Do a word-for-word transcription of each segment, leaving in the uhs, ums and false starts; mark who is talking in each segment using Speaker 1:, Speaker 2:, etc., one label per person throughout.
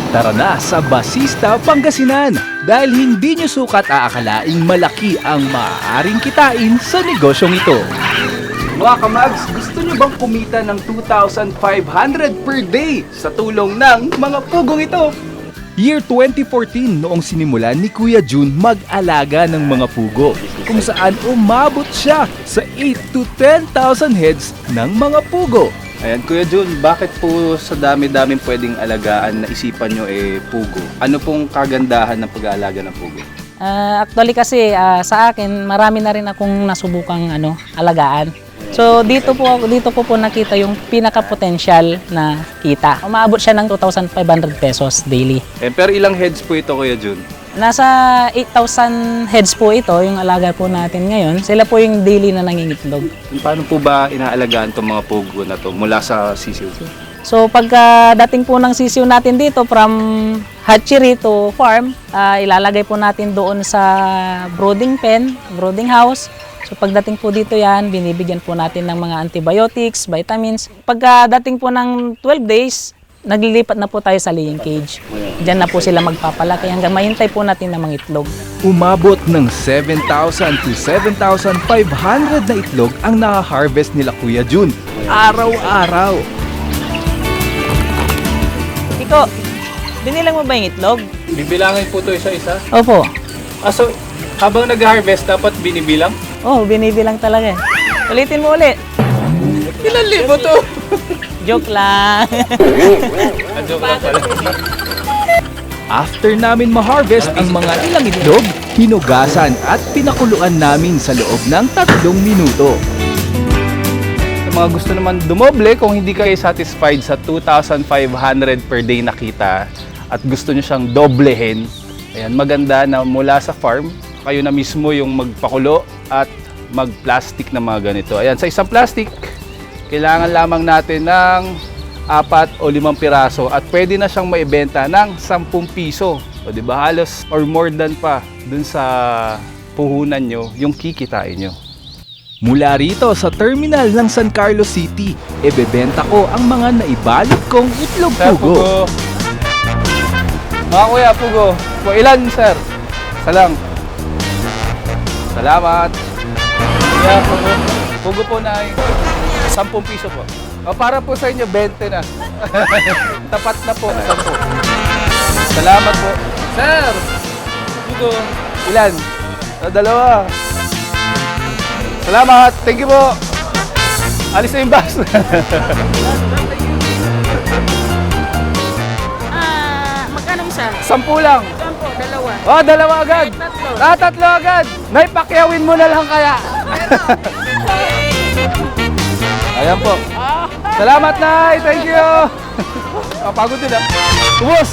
Speaker 1: Tara na sa Basista, Pangasinan dahil hindi nyo sukat aakalaing malaki ang maaaring kitain sa negosyong ito. Mga kamags, gusto nyo bang kumita ng two thousand five hundred per day sa tulong ng mga pugong ito? Year twenty fourteen noong sinimulan ni Kuya Jun mag-alaga ng mga pugo, kung saan umabot siya sa eight to ten thousand heads ng mga pugo. Ayan, Kuya Jun, bakit po sa dami-daming pwedeng alagaan na isipan nyo eh pugo? Ano pong kagandahan ng pag-aalaga ng pugo?
Speaker 2: Uh, actually kasi uh, sa akin marami na rin akong nasubukang ano, alagaan. So dito po ako dito ko po nakita yung pinaka-potential na kita. Umaabot siya ng two thousand five hundred pesos daily.
Speaker 1: Eh, pero ilang heads po ito, Kuya Jun?
Speaker 2: Nasa eight thousand heads po ito, yung alaga po natin ngayon. Sila po yung daily na nangingitlog.
Speaker 1: Paano po ba inaalagaan itong mga pugo na to mula sa sisiw?
Speaker 2: So pagka dating po ng sisiw natin dito from hatchery to farm, uh, ilalagay po natin doon sa brooding pen, brooding house. So pagdating po dito yan, binibigyan po natin ng mga antibiotics, vitamins. Pagdating po ng twelve days, naglilipat na po tayo sa laying cage. Diyan na po sila magpapalaki hanggang mahintay po natin na mga itlog.
Speaker 1: Umabot ng seven thousand to seven thousand five hundred na itlog ang naka-harvest nila Kuya Jun. Araw-araw.
Speaker 2: Iko, binilang mo ba yung itlog?
Speaker 1: Bibilangin po ito isa-isa?
Speaker 2: Opo.
Speaker 1: Ah, so habang nag-harvest dapat binibilang?
Speaker 2: Oh, binibilang talaga. Ulitin mo ulit.
Speaker 1: Ilan libo to?
Speaker 2: Joke lang.
Speaker 1: Joke lang pala. After namin ma-harvest ang mga ilang itlog, hinugasan at pinakuluan namin sa loob ng tatlong minuto. Sa mga gusto naman dumoble, kung hindi kayo satisfied sa two thousand five hundred per day na kita at gusto nyo siyang doblehin, ayan, maganda na mula sa farm, kayo na mismo yung magpakulo at mag-plastic na mga ganito. Ayan, sa isang plastic, kailangan lamang natin ng apat o limang piraso at pwede na siyang maibenta ng sampung piso. O di ba, halos or more than pa dun sa puhunan nyo yung kikitain nyo. Mula rito sa terminal ng San Carlos City, ebebenta ko ang mga naibalot kong itlog pugo. Mga kuya, pugo. Po ilan, sir? Isa lang. Salamat. Yeah, pugo. Pugo po na ay sampung piso po. O, para po sa inyo, twenty na. Tapat na po. sampu. Salamat po. Sir! Pugo. Ilan? O, dalawa. Salamat. Thank you po. Alis na yung bus.
Speaker 2: Ah, magkano isa?
Speaker 1: Sampu lang.
Speaker 2: Sampo, dalawa.
Speaker 1: Oh, dalawa agad.
Speaker 2: Tatlo.
Speaker 1: Ah, tatlo agad. Nay, pakyawin mo na lang kaya. Ayan po. Salamat, Nay. Thank you. Kapagod din ah. Ubus.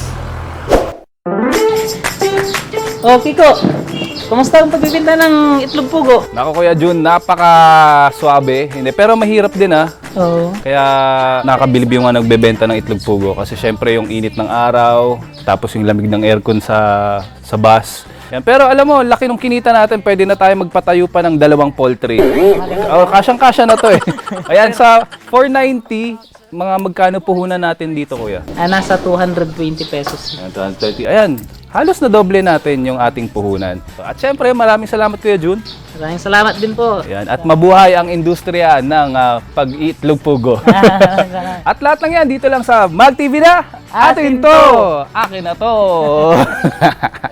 Speaker 2: Oh, Kiko. Kumusta ang pagbibinta ng itlog pugo?
Speaker 1: Nako, Kuya Jun, napaka-swabe. Hindi, pero mahirap din ah.
Speaker 2: Oo.
Speaker 1: Kaya nakabilib yung mga nagbebenta ng itlog pugo kasi syempre yung init ng araw, tapos yung lamig ng aircon sa sa bus. Yan. Pero alam mo, laki nung kinita natin, pwede na tayo magpatayo pa ng dalawang poultry. Oh, kasyang-kasya na to eh. Ayan, sa four ninety, mga magkano puhunan natin dito, Kuya?
Speaker 2: Ah, nasa two hundred twenty pesos.
Speaker 1: Ayan, two hundred thirty. Ayan, halos na doble natin yung ating puhunan. At syempre, maraming salamat, Kuya Jun.
Speaker 2: Maraming salamat din po.
Speaker 1: Ayan, at mabuhay ang industriya ng uh, pag-iitlog pugo. At lahat ng yan, dito lang sa Mag T V na. Atin to! Akin na to!